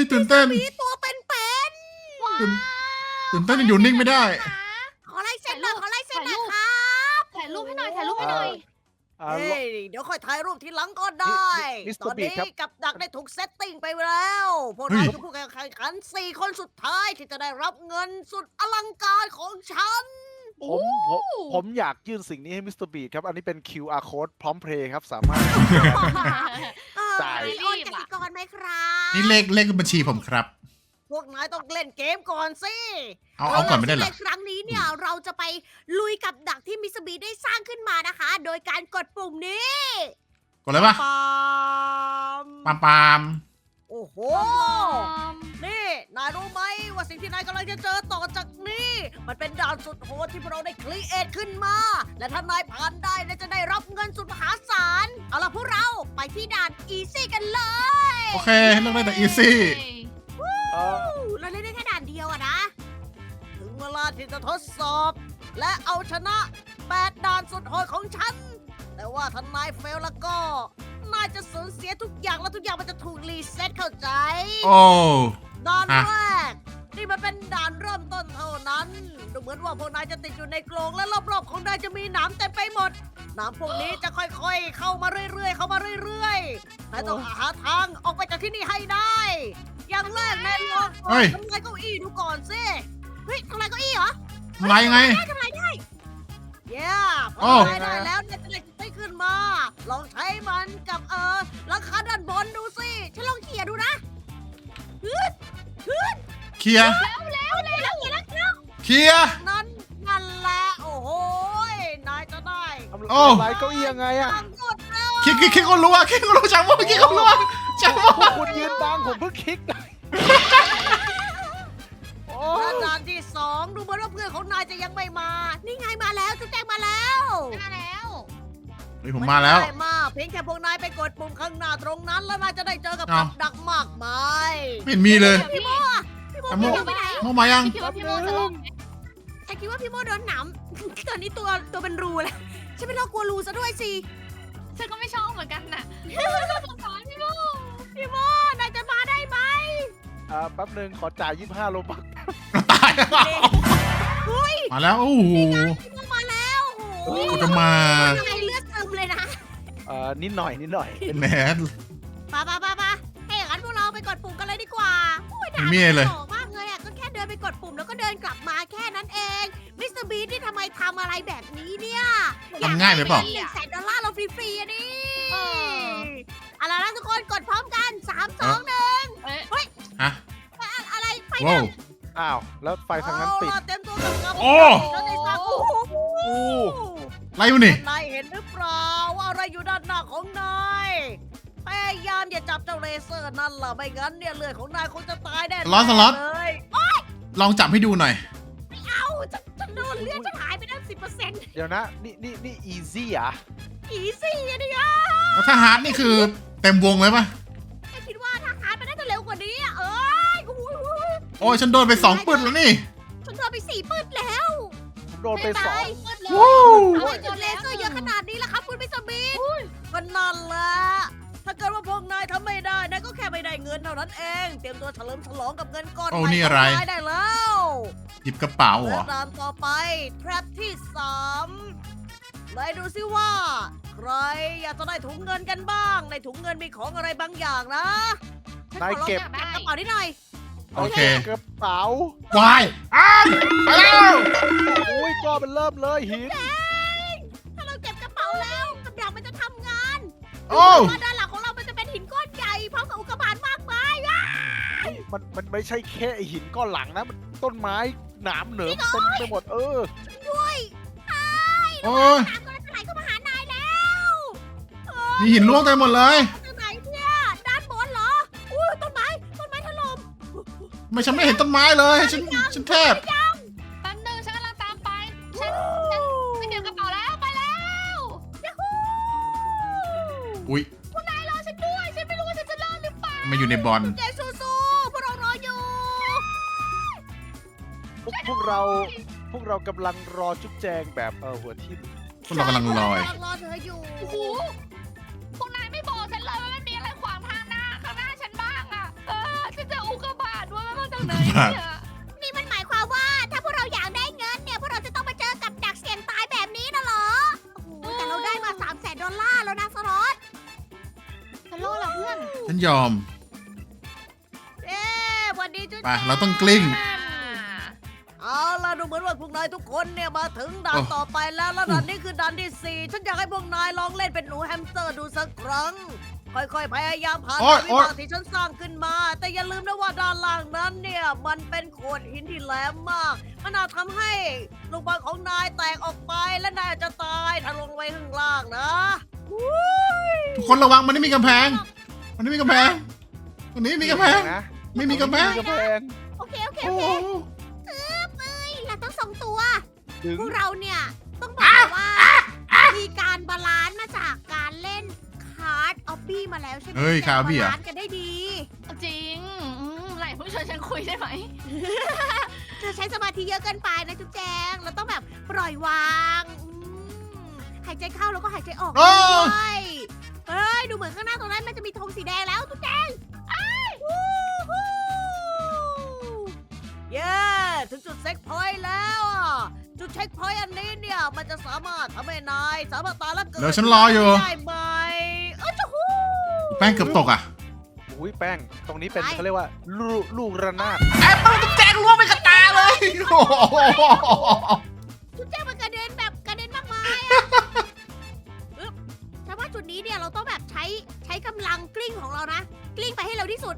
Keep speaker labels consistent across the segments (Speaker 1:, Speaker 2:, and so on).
Speaker 1: ตื่นเต้น
Speaker 2: มีตัวเป็น
Speaker 1: ตื่นตื่นเต้นอยู่นิ่งไม่ได้
Speaker 2: ๆขอลายเซ็นหน่อยขอลายเซ็นหน่อยครับ
Speaker 3: ถ่ายรูปให้หน่อยถ่ายรูปให้หน่อย
Speaker 4: อ่า
Speaker 2: เฮ้ยเดี๋ยวค่อยถ่ายรูปทีหลังก็ได้
Speaker 4: มิสเต
Speaker 2: ต
Speaker 4: อ
Speaker 2: อ
Speaker 4: ร์
Speaker 2: น
Speaker 4: บี
Speaker 2: นี้
Speaker 4: ครับ
Speaker 2: กับดักได้ถูกเซตติ้งไปแล้วพวก
Speaker 1: เฮ้
Speaker 2: นาย
Speaker 1: ย
Speaker 2: คือผู้แข่งขัน4 คนสุดท้ายที่จะได้รับเงินสุดอลังการของฉัน
Speaker 4: ผมอยากยื่นสิ่งนี้ให้มิสเตอร์บีครับ อันนี้เป็น QR code พร้อมเพลย์ครับ สามารถ จ่าย
Speaker 2: มีโอนกสิกรไหมครับ
Speaker 1: นี่เลขบัญชีผมครับ
Speaker 2: พวกนายต้องเล่นเกมก่อนสิ
Speaker 1: เอาก่อนไม่ได้เหรอ
Speaker 2: ในครั้งนี้เนี่ยเราจะไปลุยกับดักที่มิสบีได้สร้างขึ้นมานะคะ โดยการกดปุ่มนี้
Speaker 1: กดเลยปะ
Speaker 2: ปาม
Speaker 1: ปาม
Speaker 2: โอ้โห นี่ นายรู้ไหมว่าสิ่งที่นายกำลังจะเจอต่อจากนี้ มันเป็นด่านสุดโหดที่พวกเราได้ครีเอทขึ้นมา และถ้านายผ่านได้นายจะได้รับเงินสุดมหาศาล เอาล่ะพวกเราไปที่ด่านอีซี่กันเลย
Speaker 1: โอเคเลือกได้แต่อีซี่
Speaker 2: เราเล่นได้แค่ด่านเดียวอะนะ ถึงเวลาที่จะทดสอบ และเอาชนะ8ด่านสุดโหดของฉัน แต่ว่าถ้านายเฟลแล้วก็ นายจะสูญเสียทุกอย่างแล้วทุกอย่างมันจะถูกรีเซ็ตเข้าใจ
Speaker 1: โอ้
Speaker 2: ด่าน
Speaker 1: ฮะ
Speaker 2: แรก นี่มันเป็นด่านเริ่มต้นเท่านั้นดูเหมือนว่าพวกนายจะติดอยู่ในกรงและรอบๆของนายจะมีหนามเต็มไปหมดหนามพวกนี้จะค่อยๆ เข้ามาเรื่อยๆ เข้ามาเรื่อยๆนายต้องหาทางออกไปจากที่นี่ให้ได้ อย่างแรกนายลอง
Speaker 1: เฮ้ย
Speaker 2: ทำลายเก้าอี้ดูก่อนสิเฮ้ยทำลายเก้าอี้เหรอ
Speaker 1: อะไรยังไง
Speaker 2: ทำลายได้เย้พ
Speaker 1: โอ้
Speaker 2: อทำลายได้แล้วเนี่ยจะได้ขึ้นมา ลองใช้มันกับหลังคาด้านบนดูสิฉันลองเขี่ยดูนะ
Speaker 1: เคลียร์
Speaker 2: แล้ว
Speaker 1: เคลียร์
Speaker 2: นั่นแหละโอ้โหนายจะได้
Speaker 4: ทำ
Speaker 1: โอ้
Speaker 4: ลายเก้าอี้ยังไงอะ
Speaker 2: ทางกดแล้ว
Speaker 1: คิดก็รู้จังว่าคิดก็รู้จังว่า
Speaker 4: พวกคุณยืนบังผมเพิ่งคลิกได้โอ้
Speaker 2: และด่านที่2ดูเหมือนว่าเพื่อนของนายจะยังไม่มา นี่ไงมาแล้วจุ๊บแจงมาแล้ว
Speaker 3: มาแล้ว
Speaker 1: เฮ้ยผมมาแล้ว
Speaker 2: ไได้มาเพียงแค่พวกนายไปกดปุ่มข้างหน้าตรงนั้น แล้วนายจะได้เจอกับ
Speaker 1: อ้าว
Speaker 2: กับดักมากมาย
Speaker 1: ไม่เห็นมีเลย
Speaker 2: พี่โมอะพี่โม
Speaker 1: พี่โม่
Speaker 2: พี่โมไปไหน
Speaker 1: โมมายัง
Speaker 3: พี่คิดว่าพี่โมจะลงไหม
Speaker 2: ฉันคิดว่าพี่โมโดนหนาม ตอนนี้ตัวเป็นรูแล้วฉันเป็นโรคกลัวรูซะด้วยสิ
Speaker 3: ฉันก็ไม่ชอบเหมือนกันน่ะสงสารพี่โม
Speaker 2: พี่โมนายจะมาได้ไหม
Speaker 4: แป๊บนึงขอจ่าย25 โลบัก
Speaker 1: ตาย
Speaker 2: เฮ้ย
Speaker 1: มาแล้วโอ้โห
Speaker 2: พี่โมมาแล้วโอ้โห
Speaker 1: กูจะมา
Speaker 2: ทำไมเลือดเติมเลยนะ
Speaker 4: นิดหน่อย
Speaker 1: แหม
Speaker 2: ไปให้อย่างนั้นพวกเราไปกดปุ่มกันเลยดีกว่าโอ้ยด่า
Speaker 1: ไม่มีอะไรเลย
Speaker 2: หล่อมากเลยอ่ะก็แค่เดินไปกดปุ่มแล้วก็เดินกลับมาแค่นั้นเองมิสเตอร์บีที่ทำไมทำอะไรแบบนี้เนี่ย
Speaker 1: ทำง่ายไปเปล่า
Speaker 2: $100,000เราฟรีๆอ่ะนี่เอาล่ะนะทุกคนกดพร้อมกัน3 2 1
Speaker 3: เอ้ย
Speaker 1: ฮะ
Speaker 2: อะไรไฟ
Speaker 1: ว้า
Speaker 2: ดั
Speaker 1: ว
Speaker 2: บ
Speaker 4: อ้าว แล้วไฟทางนั้นติด
Speaker 2: เอาล่ะเต็มตัวกับ
Speaker 1: โอ้
Speaker 2: ฉันได้สักโอ้โห
Speaker 4: อู้
Speaker 1: ไรวะนี่
Speaker 2: นายเห็นหรือเปล่าว่าอะไรอยู่ด้านหน้าของนายพยายามอย่าจับเจ้าเลเซอร์นั่นล่ะไม่งั้นเนี่ยเลือดของนายคงจะตายแน่
Speaker 1: สล็อต
Speaker 2: เลย
Speaker 1: ลองจับให้ดูหน่อย
Speaker 2: เอาจะโดนเลือดจะหายไปตั้ง10%
Speaker 4: เดี๋ยวนะ นี่ easy อ่ะ
Speaker 2: อีซี่อะดิอ่ะ
Speaker 1: แล้วถ้าฮาร์ดนี่คือเต็มวงเลยปะ
Speaker 2: ฉันคิดว่าถ้าหายไปน่าจะเร็วกว่านี้อะยโอ้ย
Speaker 1: โอ้ยฉันโดนไป2 ปึ้นแล้วนี่
Speaker 2: ฉันโดนไป4 ปื้ดแล้ว
Speaker 4: ผมโดนไปสอง
Speaker 3: มืดเลย
Speaker 1: วู้
Speaker 2: ทำไมจุดเลเซอร์เยอะขนาดนี้ล่ะครับคุณพิสมิธก็นั่นแหละถ้าเกิดว่าพวกนายทำไม่ได้นายก็แค่ไม่ได้เงินเท่านั้นเอง เตรียมตัวเฉลิมฉลองกับเงินก้อน
Speaker 1: โอ้
Speaker 2: ใหม่
Speaker 1: นี่อะไร
Speaker 2: ของนายได้แล้ว
Speaker 1: หยิบกระเป๋าเหร
Speaker 2: และ
Speaker 1: อ
Speaker 2: ด่านต่อไปแทรปที่3ไหนดูซิว่า ใครอยากจะได้ถุงเงินกันบ้าง ในถุงเงินมีของอะไรบางอย่างนะฉันขอลอง
Speaker 4: นายเก็บ
Speaker 2: จักระเป๋านิดหน่อย
Speaker 1: โอเค
Speaker 4: กระเป๋า
Speaker 1: วายอ้าวไปแล้ว
Speaker 4: อุ้ยก็เป็นเริ่มเลยหิน
Speaker 2: ถ้าเราเก็บกระเป๋าแล้วกับดักมันจะทำงาน
Speaker 1: โอ้
Speaker 2: ว่าด้านหลังของเรามันจะเป็นหินก้อนใหญ่พร้อมกับอุกกาบาตมากมาย
Speaker 4: มันไม่ใช่แค่ไอหินก้อนหลังนะ มันต้นไม้หนามเหนิมเต็มไปหมด
Speaker 1: โ
Speaker 4: เออ
Speaker 1: อ้ย
Speaker 2: น้ำก็จะไหลเข้ามาหานายแล้ว
Speaker 1: มีหินล่วงเต็มหมดเลย
Speaker 2: ตรงไหนเนี่ยด้านบนเหรออุ้ยต้นไม้ถล่ม
Speaker 1: ไม่ฉันไม่เห็นต้นไม้เลย ฉันแทบ
Speaker 3: แป๊บนึงฉันกำลังตามไป ฉันไปเก็บกระเป๋าแล้วไปแล้ว
Speaker 1: อุ้ย
Speaker 3: คุณนายรอฉันด้วย ฉันไม่รู้ว่าฉันจะรอดหรือเปล่า
Speaker 1: มาอยู่ในบอล
Speaker 2: เจสู้ๆพวกเรารออยู่
Speaker 4: พวกเรากำลังรอจุ๊บแจงแบบหัวทิ่ม
Speaker 1: พวกเรากำลังลอย
Speaker 2: รอเธออยู่
Speaker 3: โอ้โหพวกนายไม่บอกฉันเลยว่ามันมีอะไรขวางทางหน้าข้างหน้าฉันบ้างอ่ะฉันเจออุกเลยเนี่ย
Speaker 2: นี่มันหมายความว่าถ้าพวกเราอยากได้เงินเนี่ยพวกเราจะต้องมาเจอกับดักเสี่ยงตายแบบนี้นะเหรอโอ้โหแต่เราได้มา$300,000แล้วนะสล็อต
Speaker 3: จะโล่เหรอเพื่อน
Speaker 5: ฉันยอม
Speaker 2: เอ๊วันนี้จุ๊
Speaker 5: ไปเราต้องกลิ้ง
Speaker 2: เอาล่ะดูเหมือนว่าพวกนายทุกคนเนี่ยมาถึงด่านต่อไปแล้วแล้วด่านนี้คือด่านที่ 4ฉันอยากให้พวกนายลองเล่นเป็นหนูแฮมสเตอร์ดูสักครั้ง ค่อยๆพยายามผ่าน
Speaker 5: โอ๊ย
Speaker 2: วิบากที่ฉันสร้างขึ้นมา แต่อย่าลืมนะว่าด้านล่างนั้นเนี่ยมันเป็นโขดหินที่แหลมมาก มันอาจทำให้ลูกบอลของนายแตกออกไปและนายอาจจะตายถ้าลงไปข้างล่างนะอุ้ย
Speaker 5: ทุกคนระวังมันไม่มีกำแพง มันไม่มีกำแพงตรงนี้มีกำแพง
Speaker 4: นะ
Speaker 5: ไม่มีกำแพง
Speaker 4: กำแพง
Speaker 2: โอเคโอเค
Speaker 5: โอ้
Speaker 2: โอ
Speaker 5: โห
Speaker 2: เคเราต้องส่งตัว
Speaker 4: ถึง
Speaker 2: พวกเราเนี่ยต้องบอกว่ามีการบาลานซ์มาจากการเล่นคาร์ดออบบี้มาแล้วใช่ไหม
Speaker 5: เฮ้ยคาร์บี้เหรอ
Speaker 2: บาลานซ์กันได้ดี
Speaker 3: จริงไหลผู้ชายฉันคุยได้ไหม
Speaker 2: เธอใช้สมาธิเยอะเกินไปนะจุ๊บแจงเราต้องแบบปล่อยวางหายใจเข้าแล้วก็หายใจออก
Speaker 5: โอ้
Speaker 2: ด้วยเฮ้ยดูเหมือนข้างหน้าตรงนั้นมันจะมีธงสีแดงแล้วจุ๊บแจงวู้ฮู้เย้ถึงจุดเซ็กพอยต์แล้วอะจุดเช็คพอยต์อันนี้เนี่ยมันจะสามารถทำให้นายสามารถตายแล้วเกิด
Speaker 5: เดี๋ยวฉันรออยู่
Speaker 2: ได้ไหมจะฮู้
Speaker 5: แป้งเกือบตกอ่ะ
Speaker 4: อุ้ยแป้ง ตรงนี้เป็น
Speaker 2: อะไร
Speaker 4: เขาเรียกว่าลูกระนาด
Speaker 5: แอปเปิ้ลตุ๊กแจงล่วงไปกับตาเลยโอ้โห
Speaker 2: จุดแจ้งมันกระเด็นแบบกระเด็นมากมายอะอึ๊บฉันว่าจุดนี้เนี่ยเราต้องแบบใช้กำลังกลิ้งของเรานะ กลิ้งไปให้เร็วที่สุด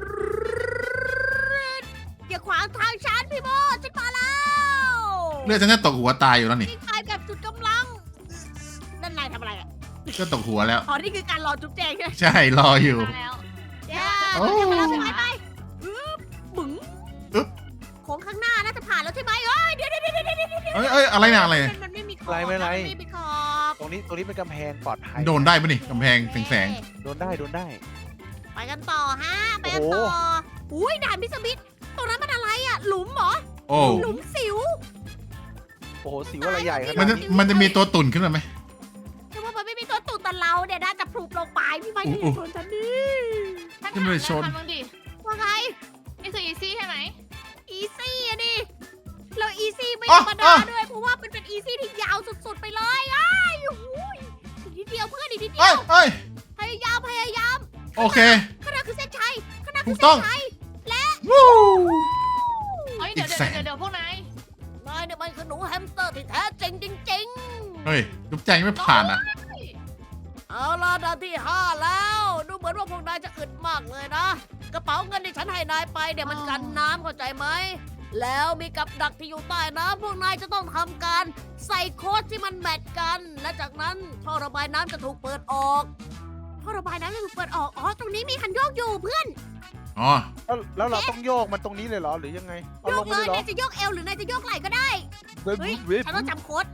Speaker 2: อย่าขวางทางฉันพี่โบฉันมาแล้ว
Speaker 5: เลือดฉันจะตกหัวตายอยู่แล้วนี่
Speaker 2: กลิ้งไปแบบจุดกำลังนั่นนายทำอะไรอ่ะ
Speaker 5: ก็ตกหัวแล้ว
Speaker 2: อ๋อนี่คือการรอจุ๊บแจงใช่ไหม
Speaker 5: ใช่รออยู่
Speaker 3: มาแล้ว
Speaker 2: เย้
Speaker 5: โอ้
Speaker 2: จุ๊บแจงมาแล้วใช่ไหมไปอึ๊บบึ๋ง
Speaker 5: อึ๊บ
Speaker 2: โค้งข้างหน้าน่าจะผ่านแล้วใช่ไหมเอ้ยเดี๋ยว
Speaker 5: เอ้ยอะไรเนี่ยอะไร
Speaker 2: มันไม่มีขอบ
Speaker 4: ไม่เป็นไร
Speaker 2: มันไม่มีขอบ
Speaker 4: ตรงนี้เป็นกำแพงปลอดภัย
Speaker 5: โดนได้ปะนี่กำแพงแสง
Speaker 4: โดนได้
Speaker 2: ไปกันต่อฮะ ไปกันต่อ อุ้ยด่านพิสมิธตรงนั้นมันอะไรอ่ะ หลุมเหรอ
Speaker 5: ๆโอ้
Speaker 2: หลุมสิว
Speaker 4: โอ้โหสิวอะไรใหญ่ข
Speaker 5: มัน
Speaker 4: นาด
Speaker 5: จะ
Speaker 4: นี้
Speaker 5: มันจะมีตัวตุ่นขึ้นมาไหม
Speaker 2: แต่ว่ามันไม่มีตัวตุ่นแต่เราเนี่ยน่าจะพลุบลงไปพี่ไม้
Speaker 5: อุ๊
Speaker 2: ที่
Speaker 5: ย
Speaker 2: ชนฉันดิ
Speaker 3: ท่าน
Speaker 5: จะไม่
Speaker 3: ถาม
Speaker 5: ได้ชน
Speaker 3: แล้วทำบ้างดิ
Speaker 2: ว่าไง
Speaker 3: นี่คืออีซี่ใช่ไหม
Speaker 2: อีซี่อะดิเราอีซี่ไม่
Speaker 5: อ๋
Speaker 2: ธ
Speaker 5: อ
Speaker 2: รรมดาด้วย เพราะว่ามันเป็นอีซี่ที่ยาวสุดๆไปเลยอ้ายโอ้โหอีกนิดเดียวเพื่อนอีกนิดเดี
Speaker 5: เอ้
Speaker 2: ย
Speaker 5: ยว เอ้ย
Speaker 2: พยายาม
Speaker 5: โอเค
Speaker 2: ข้างหน้าคือเส้นชัยข้างหน้า
Speaker 5: ถู
Speaker 2: คือก
Speaker 5: ต้
Speaker 2: เส้
Speaker 5: อง
Speaker 2: นชัย
Speaker 5: วู้
Speaker 3: เฮ้ย
Speaker 5: อี
Speaker 3: เดี๋ยว
Speaker 5: กแสน
Speaker 3: เดี๋ยวพวกนาย
Speaker 2: นายเนี่ยมันคือหนูแฮมสเตอร์ที่แท้จริงจริง
Speaker 5: เฮ้ยจุ๊บแจงไม่ผ่านอ่ะ
Speaker 2: ๆเอาล่ะด่านที่ 5 แล้ว ดูเหมือนว่าพวกนายจะอึดมากเลยนะ กระเป๋าเงินที่ฉันให้นายไปเดี๋ยวมันกันน้ำเข้าใจไหม แล้วมีกับดักที่อยู่ใต้น้ำพวกนายจะต้องทำการใส่โค้ดที่มันแมทกัน และจากนั้นท่อระบายน้ำจะถูกเปิดออกท่อระบายน้ำจะถูกเปิดออก อ๋อ ตรงนี้มีคันโยกอยู่เพื่อน
Speaker 5: อ๋อ
Speaker 4: แล้วเราต้องโยกมันตรงนี้เลยเหรอ หรือยังไง เอา
Speaker 2: โย
Speaker 4: ล
Speaker 2: ก
Speaker 4: ง
Speaker 2: เล
Speaker 4: มาเลย ยเหรอ
Speaker 2: นายจะโยกเอวหรือนายจะโยกไหล่ก็ได้ เฮ้ย ฉันต้องจำโค้ด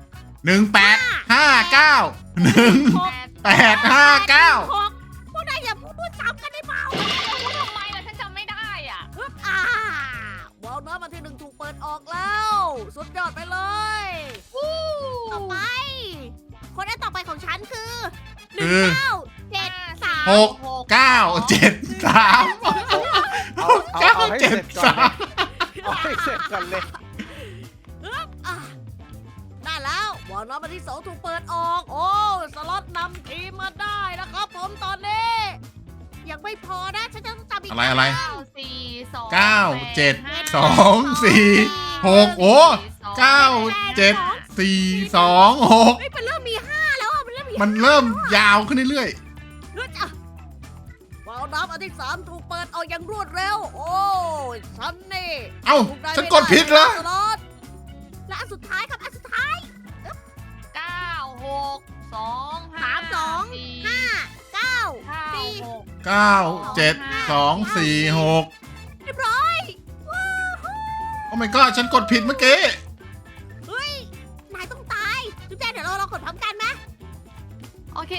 Speaker 5: 1859 1859
Speaker 2: หกพวกนายอย่าพูดซ้ำกันได้เปล่า
Speaker 3: พูดทำไมล่ะฉันจำไม่ได้อ่ะ
Speaker 2: ฮึบวาล์วน้ำอันที่ 1ถูกเปิดออกแล้ว สุดยอดไปเลย ต่อไป คนอันต่อไปของฉันคือ
Speaker 5: คือ
Speaker 2: 1973
Speaker 5: 6 9 7 3
Speaker 4: เอาให้เสร็จก่อนเลยเอาให้เสร็จก่อนเลย
Speaker 2: อ่ะได้แล้ววาล์วน้ำอันที่ 2ถูกเปิดออก โอ้ สล็อตนำทีมมาได้นะครับผมตอนนี้ ยังไม่พอนะ ฉันจะต้องจำอีก
Speaker 5: อะไร
Speaker 3: 9 4 2
Speaker 5: 9 7
Speaker 3: 5
Speaker 5: 2 4 6 โอ้ 9 7 4 2 6
Speaker 2: เฮ้ยมันเริ่มมี 5 แล้วอ่ะ มันเริ่มมี
Speaker 5: มันเริ่มยาวขึ้นเรื่อย
Speaker 2: เฮ้ยอ่ะวาล์วน้ำอันที่ 3ถูกเปิดออกอย่างรวดเร็ว โอ้ยฉันนี่
Speaker 5: ๆ เอ้า ฉันกดผิดเหรอ
Speaker 2: และอันสุดท้ายครับ อันสุดท้าย
Speaker 3: 9 6 2 5
Speaker 2: 3 2
Speaker 3: 4
Speaker 2: 5 9
Speaker 3: 9
Speaker 2: 4
Speaker 5: 9 7 2 4 6
Speaker 2: เรียบร้อยว้าว
Speaker 5: โอ้ my god ฉันกดผิดเมื่อกี้
Speaker 2: เฮ้ย นายต้องตายจุ๊บแจงเดี๋ยวเราลองกดพร้อมกันไหม
Speaker 3: โอเค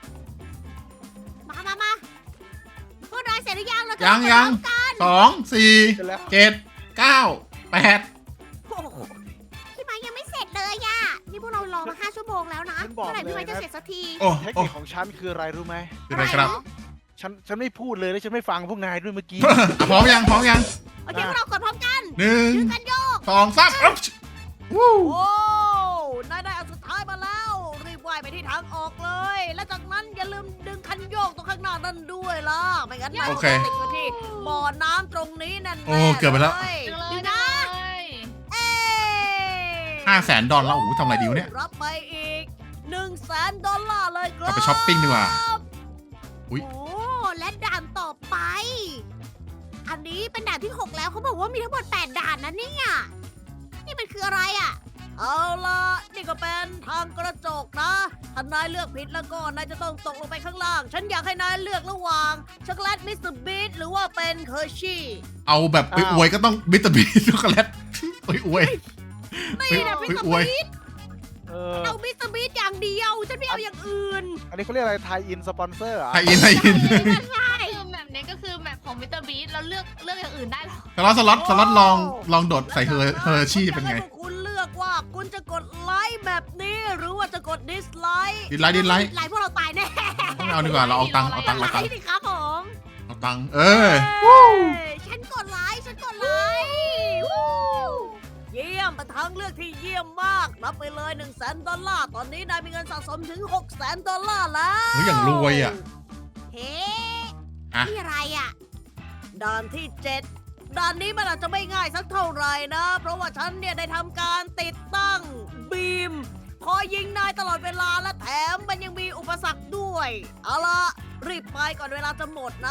Speaker 2: มาพวกนายเสร็จหรือยังเราจะ
Speaker 5: ยัง
Speaker 2: กด
Speaker 5: ยัง
Speaker 2: พร้อมกัน
Speaker 5: 2
Speaker 4: เสร็จแล้ว
Speaker 5: 4 7 9 8
Speaker 2: โอ้โหพี่ไม้ยังไม่เสร็จเลยอ่ะ นี่พวกเรารอมา5 ชั่วโมงแล้วนะ
Speaker 4: ฉันบอก
Speaker 2: เมื่อไหร่พี่ไม้
Speaker 4: เลยนะ
Speaker 2: จะเสร็จสักที
Speaker 5: โอ้
Speaker 4: เทค
Speaker 5: โอ้
Speaker 4: นิคของฉันคืออะไรรู้ไหม
Speaker 5: คืออะไรครับ
Speaker 4: ฉัฉันไม่พูดเลยแล้วฉันไม่ฟังพวกนายด้วยเมื่อกี้
Speaker 5: พร้อมยังพร้อมยัง
Speaker 2: โอเคพวกเรากดพร้อมกัน
Speaker 5: หนึ่ง
Speaker 2: ยืนกันโยก
Speaker 5: 2 3อ๊บวู้
Speaker 2: โอ้นายได้อันสุดท้ายมาแล้ว รีบว่ายไปที่ทางออกเลย และจากนั้นอย่าลืมดึงคันโยกตรงข้างหน้านั่นด้วยล่ะ ไม่งั้นนาย
Speaker 5: โอ
Speaker 2: จะ
Speaker 5: เค
Speaker 2: ติดอยู่ที่บ่อน้ำตรงนี้แน่ๆ
Speaker 5: โอ้เกือบไปแล้ว
Speaker 3: จังเลย
Speaker 2: ดู
Speaker 3: นะ
Speaker 2: นะเอ้
Speaker 5: $500,000แล้วโอ้โหทำอะไรดีวะเนี่ย
Speaker 2: รับไปอีก$100,000เลยครับ
Speaker 5: เอาไปช้อปปิ้งดีกว่า อุ๊ย
Speaker 2: โอ้และด่านต่อไป อันนี้เป็นด่านที่ 6 แล้วเขาบอกว่ามีทั้งหมด8ด่านนะเนี่ยนี่มันคืออะไรอ่ะ เอาล่ะนี่ก็เป็นทางกระจกนะถ้านายเลือกผิดแล้วก็นายจะต้องตกลงไปข้างล่าง ฉันอยากให้นายเลือกระหว่างช็อกโกแลตมิสเตอร์บีทหรือว่าเป็นเฮอร์ชี่
Speaker 5: เอาแบบไปอวยก็ต้องบิตเตอร์บีช็อกโกแลตไปอวย
Speaker 2: นี่นะมิสเตอร์
Speaker 5: อวย
Speaker 2: บีท
Speaker 4: เออ
Speaker 2: เอามิสเตอร์บีทอย่างเดียว ฉันไม่เอาอย่างอื่น
Speaker 4: อันนี้เขาเรียกอะไรไทยอินสปอนเซอร์อ่ะ
Speaker 5: ไทยอินไทยอิน
Speaker 3: คือแมปนี้ก็คือแมปของมิสเตอร์บีทเราเลือกอย่างอื่นได้หรอ
Speaker 5: สล็อตลองโดดใส่เฮอร์ชี่เป็นไง
Speaker 2: ฉัอยากให้พวกคุณเลือกว่าคุณจะกดไลค์แบบนี้หรือว่าจะกดดิสไลค์
Speaker 5: ดิสไลค์
Speaker 2: ไลค์พวกเราตายแน่
Speaker 5: ไม่เอาดีกว่าเราเอาตังค์
Speaker 2: ไลค์สิครับผม
Speaker 5: เอาตังค์
Speaker 2: ฉันกดไลค์วู้เยี่ยมเป็นทางเลือกที่เยี่ยมมากรับไปเลย$100,000ตอนนี้นายมีเงินสะสมถึง$600,000แล้ว
Speaker 5: เฮ้ยอย่างรวยอ่ะ
Speaker 2: เฮ้
Speaker 5: อะ
Speaker 2: นี่อะไรอ่ะด่านที่ 7ด่านนี้มันอาจจะไม่ง่ายสักเท่าไหร่นะ เพราะว่าฉันเนี่ยได้ทำการติดตั้งบีมคอยยิงนายตลอดเวลาและแถมมันยังมีอุปสรรคด้วย เอาล่ะรีบไปก่อนเวลาจะหมดนะ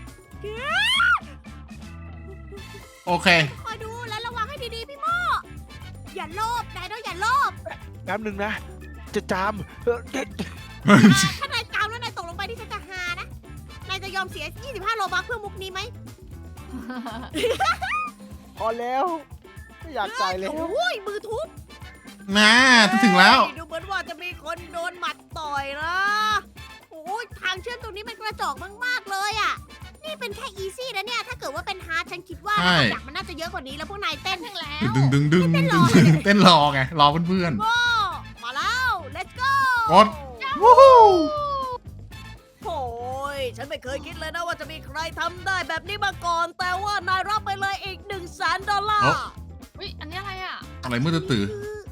Speaker 5: โอเค
Speaker 2: คอยดูและระวังให้ดีๆพี่โมอย่าโลภนายต้องอย่าโลภ
Speaker 4: แป๊บหนึ่งนะ จะจาม
Speaker 2: ถ้านายจามแล้วนายตกลงไปที่ฉันจะหานะนายจะยอมเสีย25โลบัคเพื่อมุกนี้ไหม
Speaker 4: พอแล้วไม่อยากจ่ายแล้ว
Speaker 2: โอ้ยมือทุบ
Speaker 5: นะถึงแล้ว
Speaker 2: ดูเหมือนว่าจะมีคนโดนหมัดต่อยนะ โอ้ยทางเชื่อมตรงนี้มันกระจอกมากๆเลยอ่ะ นี่เป็นแค่อีซี่นะเนี่ย ถ้าเกิดว่าเป็นฮาร์ดฉันคิดว่า
Speaker 5: ใช่
Speaker 2: อยากมันน่าจะเยอะกว่านี้แล้วพวกนายเต้น
Speaker 3: ถึงแล้ว
Speaker 5: ดึงเต้นรอไงรอเพื่อน
Speaker 2: โอ้มาแล้ว let's go
Speaker 5: กด วู้ฮู้
Speaker 2: โอ้ยฉันไม่เคยคิดเลยนะว่าจะมีใครทำได้แบบนี้มาก่อน แต่ว่านายรับไปเลยอีก$100,000
Speaker 3: อุ้ยอันนี้อะไรอ่ะ
Speaker 5: อะไรมืดตื่น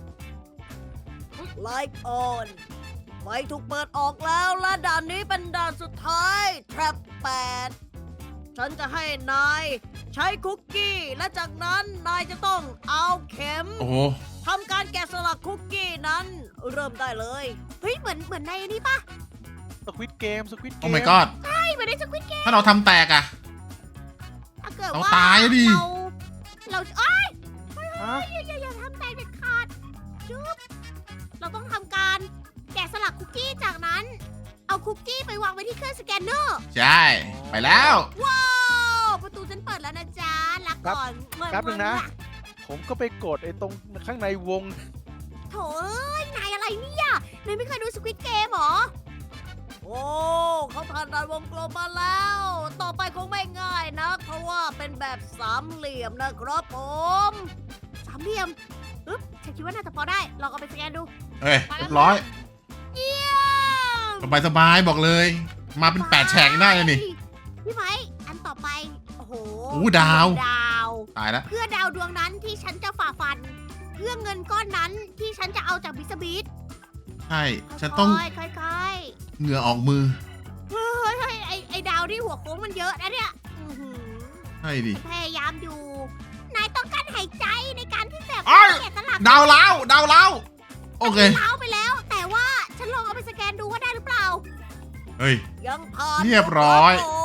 Speaker 2: Like on ไฟถูกเปิดออกแล้วและด่านนี้เป็นด่านสุดท้าย Trap 8 ฉันจะให้นายใช้คุกกี้ และจากนั้นนายจะต้องเอาเข็ม
Speaker 5: โอ้โห
Speaker 2: ทำการแกะสลักคุกกี้นั้นเริ่มได้เลย เฮ้ย เหมือนในนี่ปะ
Speaker 4: สควิตเกม
Speaker 5: โอ้ my god
Speaker 2: ใช่เหมือนในสควิตเกม
Speaker 5: ถ้าเราทำแตกอะ
Speaker 2: ถ้าเกิด
Speaker 5: เรา
Speaker 2: ว่า
Speaker 5: ตายอะดิ
Speaker 2: เราอ้าย
Speaker 4: ฮะ
Speaker 2: อย่าทำแตกเด็ดขาดจุ๊บเราต้องทำการแกะสลักคุกกี้จากนั้น เอาคุกกี้ไปวางไว้ที่เครื่องสแกนเนอร์
Speaker 5: ใช่ ไปแล้ว
Speaker 2: ว้าวประตูฉันเปิดแล้วนะจ๊ะรักก่อนเมื่อ
Speaker 4: แป๊บหนึงนะ ผมก็ไปกดไอ้ตรงข้างในวง
Speaker 2: โถเอ้ยนายอะไรเนี่ยนายไม่เคยดูสควิตเกมหรอ โอ้เขาผ่านด่านวงกลมมาแล้ว ต่อไปคงไม่ง่ายนะเพราะว่าเป็นแบบสามเหลี่ยมนะครับผมสามเหลี่ยมอึ๊บฉันคิดว่าน่าจะพอได้ลองเอาไปสแกนดู
Speaker 5: เอ้ยเรียบร้อย
Speaker 2: เยี่ยม
Speaker 5: สบายบอกเลย มาเป็น8แฉกได้เลยนี่
Speaker 2: พี่ไม้อันต่อไป โอ้โห
Speaker 5: โอ้ดาว
Speaker 2: ดาว
Speaker 5: ตายแล้ว
Speaker 2: เพื่อดาวดวงนั้นที่ฉันจะฝ่าฟัน เพื่อเงินก้อนนั้นที่ฉันจะเอาจากบิสบีท
Speaker 5: ใช่ ฉันต้อง
Speaker 2: ค่อย
Speaker 5: เหงื่อออกมือ
Speaker 2: ๆเฮ้ยไอ้ดาวที่หัวโค้งมันเยอะนะเนี่ยอื้อหือ
Speaker 5: ใช่ดิ
Speaker 2: พยายามอยู่ นายต้องการหายใจในการที่แบบ
Speaker 5: อ้าย
Speaker 2: แกะสลัก
Speaker 5: ดาวเล้าโอเค
Speaker 2: เล้าไปแล้ว แต่ว่าฉันลองเอาไปสแกนดูว่าได้หรือเปล่า
Speaker 5: เฮ้ย
Speaker 2: ยังผ่าน
Speaker 5: เรียบร้อย
Speaker 2: ครับผม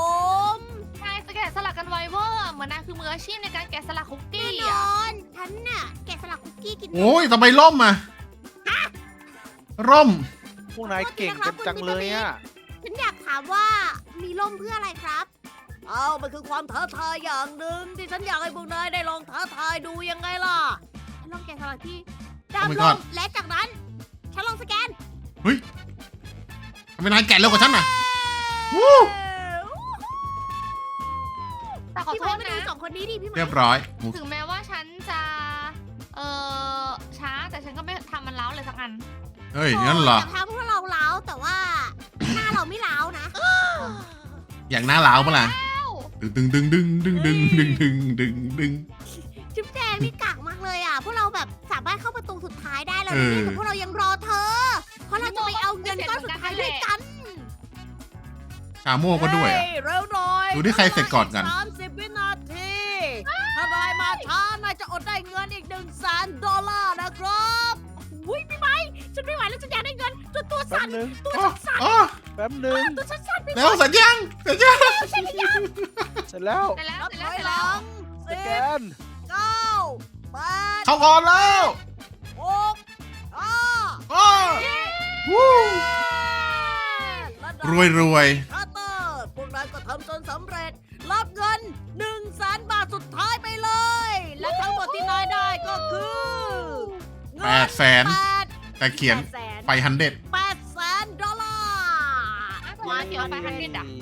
Speaker 3: นายจะแกะสลักกันไวเวอร์เหมือนนายคือมืออาชีพในการแกะสลักคุก
Speaker 2: แน่
Speaker 3: กี้
Speaker 2: น
Speaker 3: อ่ะ
Speaker 2: อนฉันน่ะแกะสลักคุกกี้กิน
Speaker 5: โอ้ยทำไมร่มอะร่ม
Speaker 4: พวกนายเก่งกันจังเลยอ่ะ
Speaker 2: ฉันอยากถามว่ามีร่มเพื่ออะไรครับเอามันคือความท้าทายอย่างหนึ่งที่ฉันอยากให้พวกนายได้ลองท้าทายดูยังไงล่ะฉันลองแกะสลักที่ดาว
Speaker 5: Oh my
Speaker 2: ล
Speaker 5: god
Speaker 2: มและจากนั้น ฉันลองสแกน
Speaker 5: เฮ้ยทำไมนายแกะเร็วกว่าฉันน่ะ วู้
Speaker 3: แต่ขอ
Speaker 2: พี่
Speaker 3: โท
Speaker 2: ไม้
Speaker 3: ษ
Speaker 2: มาดู
Speaker 3: นะ
Speaker 2: สองคนนี้ดิพี่ไม้
Speaker 5: เรียบร้อย
Speaker 3: ถึงแม้ว่าฉันจะ ช้าแต่ฉันก็ไม่ทำมันเล้าเลยสักอัน
Speaker 5: เฮ้ยงั้นเหรอ
Speaker 2: แต่ทางพวกเราเล้าแต่ว่า หน้าเราไม่เล้านะ
Speaker 5: อย่างหน้าล้าวปะล่ะดึงดึงดึงดึงดึงดึงดึงดึงดึง
Speaker 2: จุ๊บแจงนี่กากมากเลยอ่ะพวกเราแบบสามารถเข้าประตูสุดท้ายได้แล้ว
Speaker 5: เออ
Speaker 2: นี่แต่พวกเรายังรอเธอ เพราะเราจะไปเอาเงินก้อนสุดท้ายด้วยกัน
Speaker 5: ชาโม่ก็ด้วยอะ
Speaker 2: เฮ้เร็วหน่อย
Speaker 5: ดูที่ใครเสร็จก่อนกัน
Speaker 2: 30 วินาที ถ้านายมาช้านายจะอดได้เงินอีก$100,000นะครับอุ้ยพี่ไม้ฉันไม่ไหวแล้วฉันอยากได้เงินจนตัว
Speaker 4: แป๊
Speaker 2: สั่
Speaker 4: บ
Speaker 2: น
Speaker 4: นึง
Speaker 2: ตัวฉันสั่น
Speaker 5: อ๋อ
Speaker 4: แป๊บนึง
Speaker 2: ตัวฉันสั่นพี่
Speaker 5: เร็วเสร็จยังเสร็จยัง
Speaker 4: เสร็จแล้ว
Speaker 3: เสร็จแล้ว
Speaker 2: นับ
Speaker 3: เสร็จ
Speaker 2: ถ
Speaker 3: แล้ว
Speaker 2: อย
Speaker 3: เสร็จ
Speaker 2: ห
Speaker 3: แล้ว
Speaker 2: ลัง
Speaker 4: ส
Speaker 2: 10
Speaker 4: แกน
Speaker 2: 9 8
Speaker 5: เข้าก่อนแล้ว
Speaker 2: 6 5
Speaker 5: อ้อวู้ รวยรวย
Speaker 2: คัตเตอร์พวกนายก็ทำจนสำเร็จ รับเงิน100,000 บาทสุดท้ายไปเลย และทั้งหมดที่นายได้ก็คือเงิน
Speaker 5: 800,000 แต่เขียนไป100
Speaker 2: $800,000
Speaker 3: มาเขียวไป100อ่ะ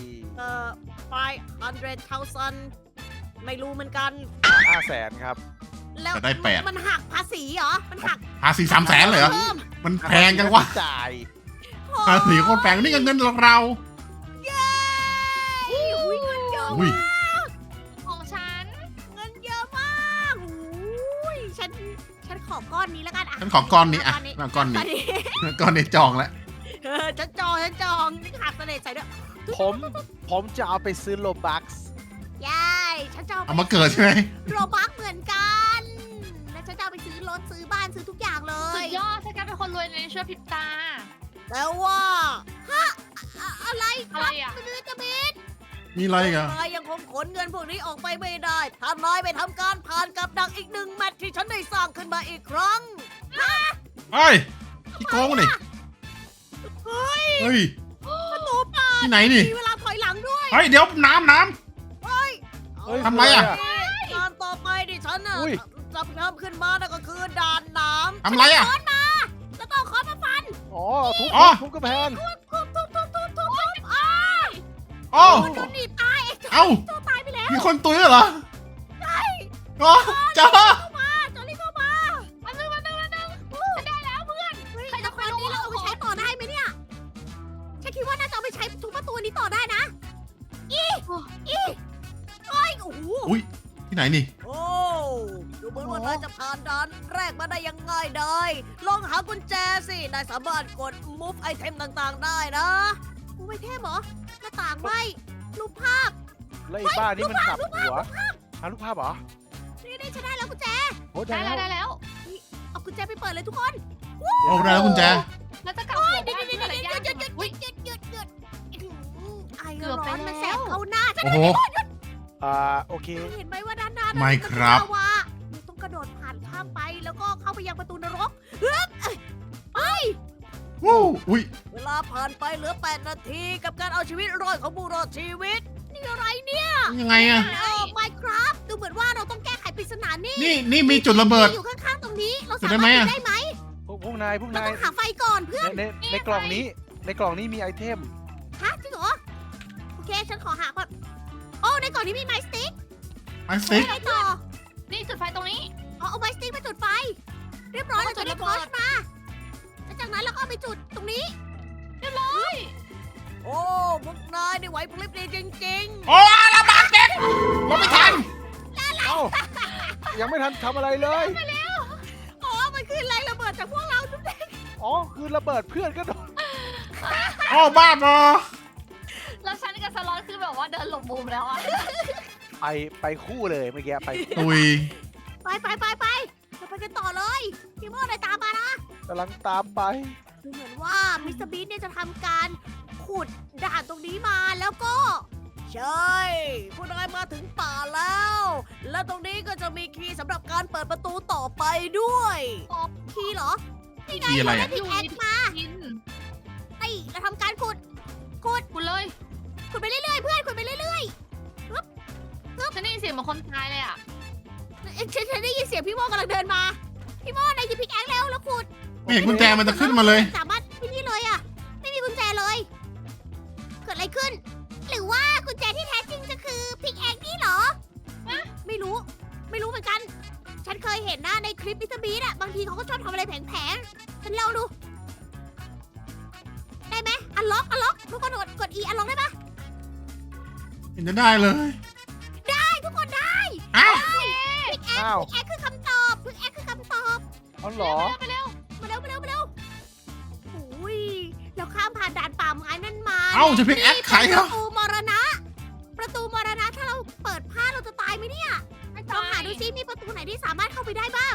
Speaker 2: 500,000 ไม่รู้เหมือนกัน
Speaker 4: 500,000ครับ
Speaker 2: แล้ว
Speaker 5: จะได้8
Speaker 2: มันหักภาษีเหรอ มันหัก
Speaker 5: ภาษี300,000เลยเหรอ
Speaker 2: เพิ่ม
Speaker 5: มันแพงจังวะ
Speaker 4: จ่าย
Speaker 5: ภาษีโคตรแพงนี่ก็เงินเรา
Speaker 2: เย้อุ้ยเงินเยอะ
Speaker 5: อุ้ย
Speaker 3: ของฉัน
Speaker 2: เงินเยอะมากอุ้ยฉันขอก้อนนี้แล้วกันอ่ะ
Speaker 5: ฉันขอก้อนนี้อ่ะก้อนนี้ก้อนนี้จองแล้ว
Speaker 2: ฉันจองนี่หักเสน่ห์ใส่ด้วย
Speaker 4: ผมจะเอาไปซื้อโลบัคส์
Speaker 2: ยายฉันจะ
Speaker 5: เอามาเกิดใช่ไหม
Speaker 2: โรบักเหมือนกัน และฉันจะเอาไปซื้อรถซื้อบ้านซื้อทุกอย่างเล
Speaker 3: สุ
Speaker 2: ย
Speaker 3: ดยอดฉันกลายเป็นคนรวยในชั่วพริบตา
Speaker 2: แต่ว่าฮะอะไรค
Speaker 3: อะไร
Speaker 2: รับ
Speaker 3: อ่ะ
Speaker 2: มันจะมิด
Speaker 5: มีอะไรอีกัน
Speaker 2: นายยังคงขนเงินพวกนี้ออกไปไม่ได้ ถ้านายไปทำการผ่านกับดักอีก1 แมตช์ที่ฉันได้สร้างขึ้นมาอีกครั้ง
Speaker 5: เฮ้ยที่โกงนี่
Speaker 2: เฮ้ย
Speaker 5: เฮ้ย
Speaker 2: ประตูเปิด
Speaker 5: ที่ไหนนี่
Speaker 2: มีเวลาถอยหลังด้วย
Speaker 5: เฮ้ยเดี๋ยวน้ำ
Speaker 2: เฮ้ย
Speaker 4: เฮ้ย
Speaker 5: ทำไรอะ
Speaker 2: งานต่อไปดิฉันน่ะ
Speaker 4: อุ้ย
Speaker 2: จะทำขึ้นมานั่นก็คือด่านน้ำ
Speaker 5: ทำไรอะ
Speaker 2: ค้อนมาแล้วต้องค้อนมาฟัน
Speaker 4: อ๋อทุบ
Speaker 5: อ๋อ
Speaker 4: ทุบกระแพง
Speaker 2: ทุบอ้า
Speaker 5: โอ้
Speaker 2: โดนหนีบตายไอ้เจ้า
Speaker 5: เอ้า
Speaker 2: ตัวตายไปแล้ว
Speaker 5: มีคนตุยเหรอ ใช่อ๋อจ้า
Speaker 2: เข้ามาจอรี่เข้ามา
Speaker 3: อันนึงฉันได้แล้วเพื่อน
Speaker 2: เฮ้ย
Speaker 3: ใครจะ
Speaker 2: แล้ว
Speaker 3: ไป
Speaker 2: คน
Speaker 3: รู้
Speaker 2: นี้เราเอาไปใช้ต่อได้ไหมเนี่ยฉันคิดว่าน่าจะเอาไปใช้ทุบประตูนี้ต่อได้นะอีเฮ้ยโอ้โห
Speaker 5: อุ้ยที่ไหนนี่
Speaker 2: โอ้ดูเหมือนว่านายจะผ่านด่านแรกมาได้ยังง่ายได้ลองหากุญแจสินายสามารถกด move ไอเทมต่างๆได้นะ move ไอเทมเหรอหน้าต่างไม่รูปภาพ
Speaker 4: แล้วไอ้บ้านนี่มันกลับหัวหารูปภาพเหรอ
Speaker 2: นี่ฉันได้แล้วกุญแจ
Speaker 4: โอ้
Speaker 3: ได้
Speaker 4: ได้
Speaker 3: แล้ว
Speaker 4: แล้ว
Speaker 3: ได้แล้ว
Speaker 2: เอากุญแจไปเปิดเลยทุกคน
Speaker 5: โอ้ได้แล้วกุญแจ
Speaker 3: แล้วจะกลับหัว
Speaker 2: เดี๋ยว
Speaker 3: บ้าน
Speaker 2: เดี๋ยว
Speaker 3: อะไร
Speaker 2: เดี๋ย
Speaker 3: ยาว ก
Speaker 2: เดี๋ยวเดี๋ยว
Speaker 3: อุ้ย
Speaker 2: เดี๋ยวไอ
Speaker 3: เกือบ
Speaker 2: ร้
Speaker 3: ไป
Speaker 2: อนมันแส
Speaker 3: แล้ว
Speaker 2: บเข้าหน้าฉัน
Speaker 5: โอ้โห
Speaker 4: โอเค
Speaker 2: เห็นไหมว่าด้านหน้า
Speaker 5: ไม่ครับ
Speaker 2: มันเป็นลาวาเราต้องกระโดดผ่านข้ามไปแล้วก็เข้าไปยังประตูนรกเฮ้ยไป
Speaker 5: วู้อุ้ย
Speaker 2: เวลาผ่านไปเหลือ8 นาทีกับการเอาชีวิตรอดของผู้รอดชีวิต นี่อะไรเนี่ย
Speaker 5: ยังไงอะ
Speaker 2: โอ้ Minecraft ดูเหมือนว่าเราต้องแก้ไขปริศนานี่
Speaker 5: นี่มีจุดระเบิด
Speaker 2: อยู่ข้างๆตรงนี้ เรา
Speaker 5: จุ
Speaker 2: สา
Speaker 5: ดได้
Speaker 2: มารถ
Speaker 5: ไหม
Speaker 2: ดู
Speaker 5: อะ
Speaker 2: ได้ไหม
Speaker 4: พวกนาย
Speaker 2: เราต้องหาไฟก่อนเพื่อน
Speaker 4: ในกล่องนี้มีไอเทม
Speaker 2: ฮะจริงเหรอ โอเค ฉันขอหาก่อน โอ้ในกล่องนี้มีไม้สติ๊ก
Speaker 5: ไม้สติ๊ก
Speaker 2: ไงต่อ
Speaker 3: นี่จุดไฟตรงนี้
Speaker 2: เอาไม้สติ๊กมาจุดไฟ เรียบร้อยเราจะได้ทอชมาแล้วจากนั้นเราก็เอาไปจุดตรงนี้
Speaker 3: เรียบร้อย
Speaker 2: โอ้พวกนายได้ไหวพริบดีจริง
Speaker 5: โอ้ระบาดเด็กผมไม่ทัน
Speaker 4: เอ้ายังไม่ทันทำอะไรเลย
Speaker 2: ๆ อ๋อ มันคือแรงระเบิดจากพวกเราทุกท่าน
Speaker 4: อ๋อคือระเบิดเพื่อนก็โดน
Speaker 5: โอ้บ้าบอ
Speaker 3: แล้วฉันกับสล็อตคือแบบว่าเดินหลบมุมแล้วอ่ะ
Speaker 4: ไปคู่เลยเมื่อกี้ไป
Speaker 5: ตุย
Speaker 2: ไปเราไปกันต่อเลย พี่โม่นายตามมานะ
Speaker 4: กำลังตามไป
Speaker 2: ดูเหมือนว่ามิสเตอร์บีนเนี่ยจะทำการขุดด่านตรงนี้มาแล้วก็ ใช่พวกนายมาถึงป่าแล้ว และตรงนี้ก็จะมีคีย์สำหรับการเปิดประตูต่อไปด้วย คีย์เหรอนี่ไง
Speaker 5: คีย์อะไร
Speaker 2: เรา
Speaker 5: อะ
Speaker 2: ได้พิกแอคมา
Speaker 3: กิน
Speaker 2: ไอ้เราทำการขุด
Speaker 3: คุณเลย
Speaker 2: ขุดไปเรื่อยๆเพื่อนขุดไปเรื่อย
Speaker 3: ฉันได้ยินเสียงเหมือนคนตายเลยอ่ะ
Speaker 2: ๆฉันได้ยินเสียงพี่โม่กำลังเดินมา พี่โม่นายหยิบพิกแอคแล้วขุด
Speaker 5: ไม่เห็นกุญแจมันจะขึ้นมาเลย
Speaker 2: สามารถที่นี่เลยอะไม่มีกุญแจเลย เกิดอะไรขึ้น หรือว่ากุญแจที่แท้จริงจะคือพิกแอคนี่เหรอไม่รู้เหมือนกัน ฉันเคยเห็นนะในคลิปมิสเตอร์บีนอะบางทีเขาก็ชอบทำอะไรแผงๆฉันลองดู ได้ไหมอันล็อกทุกคนกด E อันล็อกได้ปะ
Speaker 5: เห็นจะได้เลย
Speaker 2: ทุกคนได้
Speaker 5: อ้าว
Speaker 4: อ้าว
Speaker 2: พิกแอคคือคำตอบพิกแอคคือคำตอบ
Speaker 4: เอาเหรอ
Speaker 3: ไปเร็ว
Speaker 2: มาเร็วโอ้ยเราข้ามผ่านด่านป่าไม้นั่นมา
Speaker 5: เอ้าจะพิกแอคใคร
Speaker 2: ป
Speaker 5: เหรอ
Speaker 2: ระตูมรณะ ประตูมรณะถ้าเราเปิดผ้าเราจะตายไหมเนี่ยลองหาดูซิมีประตูไหนที่สามารถเข้าไปได้บ้าง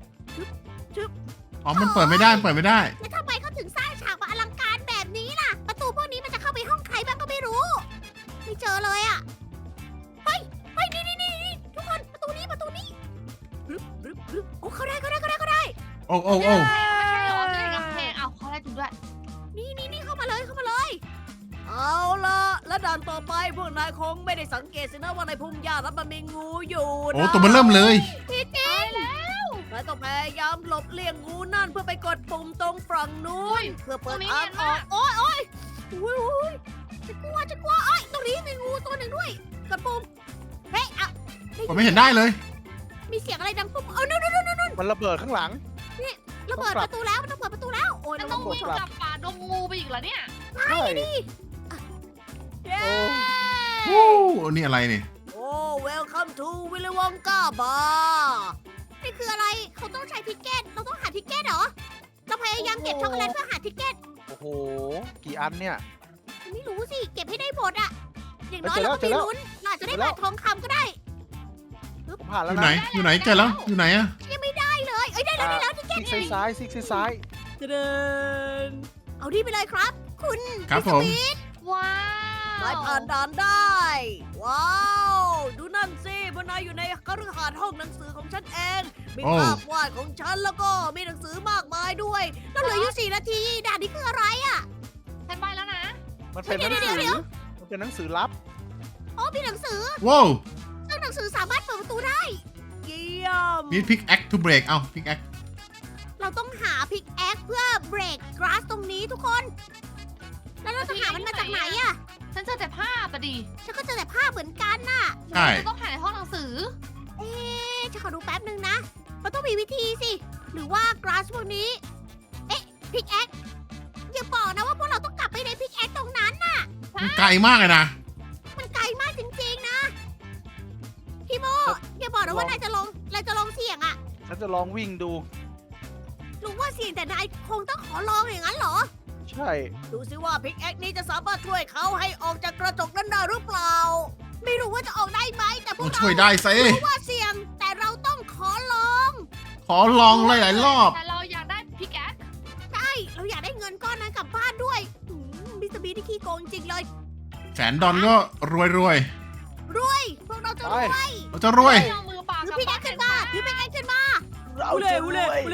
Speaker 5: อ๋อมันเปิดไม่ได้เปิดไม่ได้
Speaker 2: แล้วทำไมเขาถึงสร้างฉากมาอลังการแบบนี้ล่ะ ประตูพวกนี้มันจะเข้าไปห้องใครบ้างก็ไม่รู้ ไม่เจอเลยอ่ะ เฮ้ยนี่ทุกคนประตูนี้รึบโอ้เขาได้
Speaker 5: โอ้
Speaker 3: ๆใช่เหรอจะเห็นกำแพงเอาเขาได้จริงด้วย
Speaker 2: นี่เข้ามาเลย เอาล่ะ แล้วด่านต่อไปพวกนายคงไม่ได้สังเกตสินะว่าในพุ่มหญ้านั้นมันมีงูอยู่นะ
Speaker 5: โอ้ตัวมันเริ่มเลย
Speaker 2: พี่จริงนายต้องพยายามหลบเลี่ยงงูนั่นเพื่อไปกดปุ่มตรงฝั่งนู้นเพื่อเปิดทางออกโอ้ยจะกลัวโอ้ยตรงนี้มีงูตัวหนึ่งด้วยกดปุ่มเฮ้ยอ่ะ
Speaker 5: ผมไม่เห็นได้เลย
Speaker 2: มีเสียงอะไรดังปุ๊บนู่น
Speaker 4: มันระเบิดข้างหลัง
Speaker 2: เราเปิดประตูแล้วมันต้องเปิดประตูแล้วโอ้ย
Speaker 3: จะ
Speaker 2: เรา
Speaker 3: ต้
Speaker 2: ต้
Speaker 3: อ
Speaker 2: อง ง
Speaker 3: วิ่งกลับป่าดงงูไปอีกเหรอเนี่ย
Speaker 4: ใช่
Speaker 2: เย้
Speaker 5: โอ้นี่อะไรนี่
Speaker 2: โอ้ welcome to Willy Wonka Bar นี่คืออะไรเขาต้องใช้ทิกเก็ตเราต้องหาทิกเก็ตเหรอเราพยายามเก็บช็อกโกแลตเพื่อหาทิกเก็ต
Speaker 4: โอ้โห กี่อันเนี่ย
Speaker 2: ไม่รู้สิ เก็บให้ได้หมดอะอย่างน้อย
Speaker 4: เจอแล้
Speaker 2: เรา
Speaker 4: ว
Speaker 2: ก็มีลุ้นเราอาจจะได้
Speaker 4: เจอแล้
Speaker 2: ผ่า
Speaker 4: วน
Speaker 2: ทองคำก็ได้
Speaker 4: ผมผ่าน
Speaker 5: อ
Speaker 4: แล้ว
Speaker 5: ยู่
Speaker 4: นะ
Speaker 5: ไหนอยู่ไหนเจอแล้วอยู่ไหนอะ
Speaker 2: ยังไม่ได้เลย เอ้ยได้แล้วที่
Speaker 4: ซิกซ้ายซิกซ้าย
Speaker 2: เดินเอาที่ไปเลยครับ คุณ
Speaker 5: ครับผม
Speaker 3: ว้า
Speaker 2: นายผ่านด่านได้ ว้าว ดูนั่นสิพวกนายอยู่ในคฤหาสน์ห้องหนังสือของฉันเอง มีภาพวาดของฉันแล้วก็มีหนังสือมากมายด้วยแล้วเหลืออยู่4 นาที ด่านนี้คืออะไรอะ
Speaker 3: ฉันไปแล้วนะ
Speaker 4: มันเป็นหนังสือ
Speaker 2: เดี๋ยว
Speaker 4: มันเป็นหนังสือลับ
Speaker 2: อ๋อมีหนังสือ
Speaker 5: ว้าว
Speaker 2: ซึ่งหนังสือสามารถเปิดประตูได้ เยี่ยม
Speaker 5: need pick act to break เอ้า pick act
Speaker 2: เราต้องหาพิกแอคเพื่อเบรกกราสตรงนี้ทุกคน แล้วเราจะหามันมาจากไหนอะ
Speaker 3: ฉันเจอแต่ภาพอะดิ
Speaker 2: ฉันก็เจอแต่ภาพเหมือนกันน่ะ
Speaker 5: ใช่
Speaker 3: จะต้องหาในห้องหนังสือ
Speaker 2: เอ๊ะฉันขอดูแป๊บนึงนะ มันต้องมีวิธีสิ หรือว่ากราสพวกนี้ เอ๊ะพิกแอคอย่าบอกนะว่าพวกเราต้องกลับไปในพิกแอคตรงนั้นน่ะ
Speaker 5: มันไกลมากเลยนะ
Speaker 2: มันไกลมากจริงๆนะ พี่โมอย่าบอกนะว่านายจะลองเสี่ยงอะ
Speaker 4: ฉันจะลองวิ่งดู
Speaker 2: รู้ว่าเสี่ยงแต่นายคงต้องขอลองอย่างนั้นเหรอ
Speaker 4: ใช่
Speaker 2: ดูสิว่าพิกแอคนี้จะสามารถช่วยเขาให้ออกจากกระจกนั้นได้หรือเปล่า ไม่รู้ว่าจะออกได้ไหมแต่พว
Speaker 5: ต้
Speaker 2: ก
Speaker 5: อง
Speaker 2: เรา
Speaker 5: ช่วยได้สิ
Speaker 2: รู้ว่าเสี่ยง แต่เราต้องขอลอง
Speaker 5: ขอลองหลายๆรอบ
Speaker 3: แต่เราอยากได้พิกแอค
Speaker 2: ใช่เราอยากได้เงินก้อนนั้นกลับบ้านด้วยมิสเตอร์บีที่ขี้โกงจริงเลย
Speaker 5: $100,000ก็รวย
Speaker 2: รวย พวกเราจะรวย
Speaker 5: ๆเราจะรวย
Speaker 3: ไม่เอามือปาก
Speaker 2: ถื
Speaker 3: ก
Speaker 2: อ
Speaker 3: ลับ
Speaker 2: พิกแอ
Speaker 3: บ้า
Speaker 2: คน ขึ้นมาถือพิกแอคขึ้นมา
Speaker 4: เราจะรวย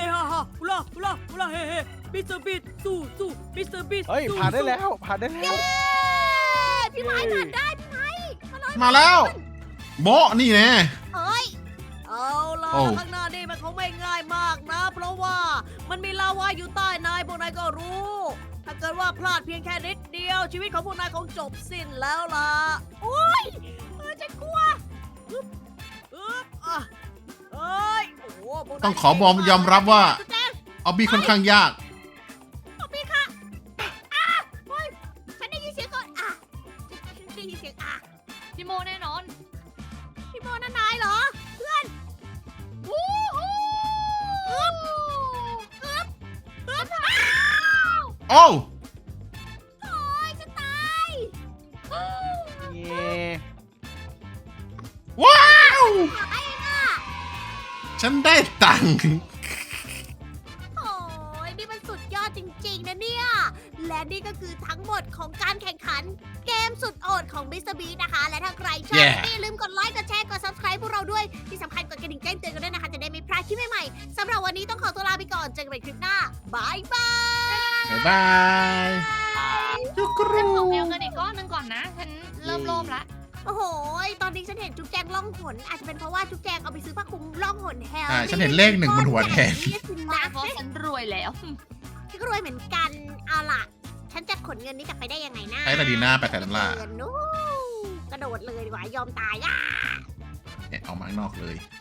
Speaker 2: ฮ่าฮ่าอุล่าเฮ้มิสเตอร์บีสู้มิสเตอร์บี
Speaker 4: เฮ้ย ผ่านได้แล้ว ผ่านได้แล้ว
Speaker 2: พี่ไม้ผ่านได้พี่ไม้
Speaker 5: มาแล้วโบะนี่แน่
Speaker 2: เอ้ยเอาล่ะ
Speaker 5: โอ้
Speaker 2: ข้างหน้านี่มันคงไม่ง่ายมากนะ เพราะว่ามันมีลาวาอยู่ใต้นายพวกนายก็รู้ ถ้าเกิดว่าพลาดเพียงแค่นิดเดียว ชีวิตของพวกนายคงจบสิ้นแล้วล่ะโอ้ยฉันกลัวอึ๊บอ่ะเอ้ยโอ้โหพวกนาย
Speaker 5: ต้องขอบอมยอมรับว่า
Speaker 2: จุ๊บแจง
Speaker 5: ออบบี้ค่อนข้างยาก
Speaker 2: เอาพี่ค่ะอ่ะเฮ้ยฉันได้ยินเสียงก่อนอ่ะฉันได้ยินเสียงอ่ะ
Speaker 3: พี่โมแน่นอน
Speaker 2: พี่โมนั่นนายเหรอ เพื่อน
Speaker 3: วู้ฮู้
Speaker 2: อ้าว
Speaker 5: โอ้
Speaker 2: โอ้ยจะตาย
Speaker 4: เย่
Speaker 5: ว้าว
Speaker 2: ไอ้น่ะ
Speaker 5: ฉันได้ตังค์
Speaker 2: โอ้ยนี่มันสุดยอดจริงๆนะเนี่ย และนี่ก็คือทั้งหมดของการแข่งขัน เกมสุดโอดของ Mr. Beast นะคะ และถ้าใครชอบ
Speaker 5: Yeah
Speaker 2: อย่าลืมกดไลค์ กดแชร์ กด subscribe พวกเราด้วย ที่สำคัญกดกระดิ่งแจ้งเตือนกันด้วยนะคะ จะได้ไม่พลาดคลิปใหม่ๆสำหรับวันนี้ต้องขอตัวลาไปก่อน เจอกันใหม่คลิปหน้าบายบาย
Speaker 5: บ๊ายบายจุกรู
Speaker 3: ฉันขอเมลเงินอีกก้อนหนึงก่อนนะ ฉันเริ่มโลภละ
Speaker 2: โอ้โห ตอนนี้ฉันเห็นจุ๊บแจงล่องหน อาจจะเป็นเพราะว่าจุ๊บแจงเอาไปซื้อผ้าคลุมล่องหนแฮล
Speaker 5: ใช่ฉันเห็นเลข1บนหัวแทน
Speaker 2: นี่สิ
Speaker 3: มา
Speaker 2: นะ
Speaker 3: เพราะฉันรวยแล้ว
Speaker 2: ฉันก็รวยเหมือนกัน เอาล่ะ ฉันจะขนเงินนี้กลับไปได้ยังไงนะ
Speaker 5: ใช้ตาดีหน้าไปแต่ลำลา
Speaker 2: เงินนู้กระโดดเลยดีกว่า ยอมตายอ่ะ
Speaker 5: เนี่ยเอามาข้างนอกเลย